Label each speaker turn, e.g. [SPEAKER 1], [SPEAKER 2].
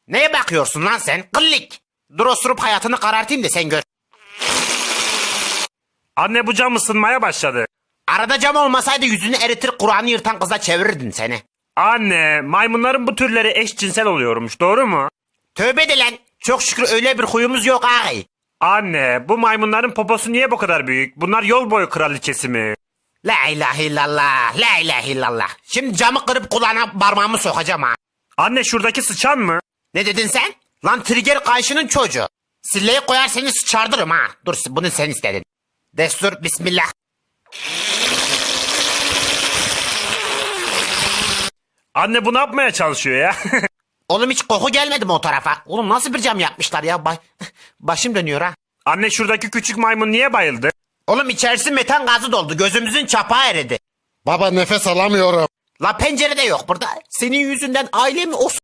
[SPEAKER 1] Neye bakıyorsun lan sen? Kıllik. Dur osurup hayatını karartayım da sen gör.
[SPEAKER 2] Anne bu cam ısınmaya başladı.
[SPEAKER 1] Arada cam olmasaydı yüzünü eritir Kur'an'ı yırtan kıza çevirirdin seni.
[SPEAKER 2] Anne maymunların bu türleri eşcinsel oluyormuş doğru mu?
[SPEAKER 1] Tövbe de lan. Çok şükür öyle bir huyumuz yok ağabey.
[SPEAKER 2] Anne bu maymunların poposu niye bu kadar büyük? Bunlar yol boyu kraliçesi mi?
[SPEAKER 1] La ilahe illallah. La ilahe illallah. Şimdi camı kırıp kulağına parmağımı sokacağım ha.
[SPEAKER 2] Anne şuradaki sıçan mı?
[SPEAKER 1] Ne dedin sen? Lan trigger kayışının çocuğu. Silleyi koyar seni sıçardırım ha. Dur bunu sen istedin. Destur bismillah.
[SPEAKER 2] Anne bu ne yapmaya çalışıyor ya?
[SPEAKER 1] Oğlum hiç koku gelmedi mi o tarafa? Oğlum nasıl bir cam yapmışlar ya? Başım dönüyor ha.
[SPEAKER 2] Anne şuradaki küçük maymun niye bayıldı?
[SPEAKER 1] Oğlum içerisi metan gazı doldu. Gözümüzün çapağı eridi.
[SPEAKER 3] Baba nefes alamıyorum.
[SPEAKER 1] La pencere de yok burada. Senin yüzünden ailemi